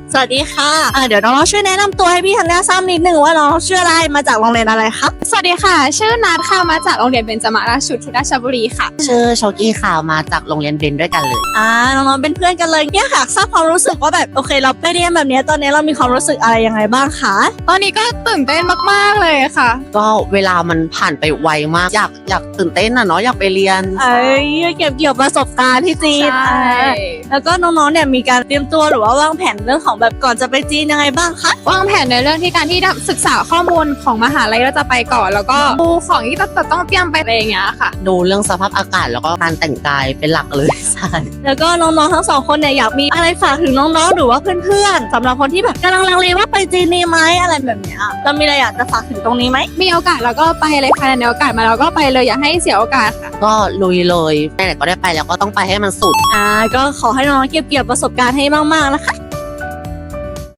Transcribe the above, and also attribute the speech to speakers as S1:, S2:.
S1: สวัสดีค่ะเดี๋ยวน้องๆช่วยแนะนำตัวให้พี่ธัญญาทราบนิดนึงว่าน้องชื่ออะไรมาจากโรงเรียนอะไรคะ
S2: สวัสดีค่ะชื่อนัทค่ะมาจากโรงเรียนเบญจมาราชชุดที่ราชบุรีค่ะ
S3: ชื่อโชกี้ค่ะมาจากโรงเรียนเบนด้วยกันเลย
S1: น้องๆเป็นเพื่อนกันเลยเนี่ยค่ะทราบความรู้สึกว่าแบบโอเคเราไปเรียนแบบนี้ตอนนี้เรามีความรู้สึกอะไรยังไงบ้างคะ
S2: ตอนนี้ก็ตื่นเต้นมากๆเลยค่ะ
S3: ก็เวลามันผ่านไปไวมากอยากตื่นเต้นเนาะอยากไปเรียน
S1: เก็บเกี่ยวประสบการณ์ที่จีนแล้วก็น้องๆเนี่ยมีการเตรียมตัวหรือว่าวางแผนเรื่องของแบบก่อนจะไปจีนยังไงบ้างคะ
S2: วางแผนในเรื่องที่การที่ศึกษาข้อมูลของมหาลัยเราจะไปก่อนแล้วก็ดูของที่ต้องเตรียมไปอะไรอย่างเงี้ยค่ะ
S3: ดูเรื่องสภาพอากาศแล้วก็การแต่งกายเป็นหลักเลยใช่
S1: แล้วก็น้องๆทั้งสองคนเนี่ยอยากมีอะไรฝากถึงน้องๆหรือว่าเพื่อนๆสำหรับคนที่แบบกำลังลังเลว่าไปจีนดีไหมอะไรแบบเนี้ยเรามีอะไรอยากจะฝากถึงตรงนี้ไหม
S2: มีโอกาสเราก็ไปเลยค่ะในโอกาสมาเราก็ไปเลยอย่าให้เสียโอกาสค่ะ
S3: ก็ลุยเลยไหนๆก็ได้ไปแล้วก็ต้องไปให้มันสุด
S1: ก็ขอให้น้องๆเก็บเกี่ยวประสบการณ์ให้มากๆนะคะ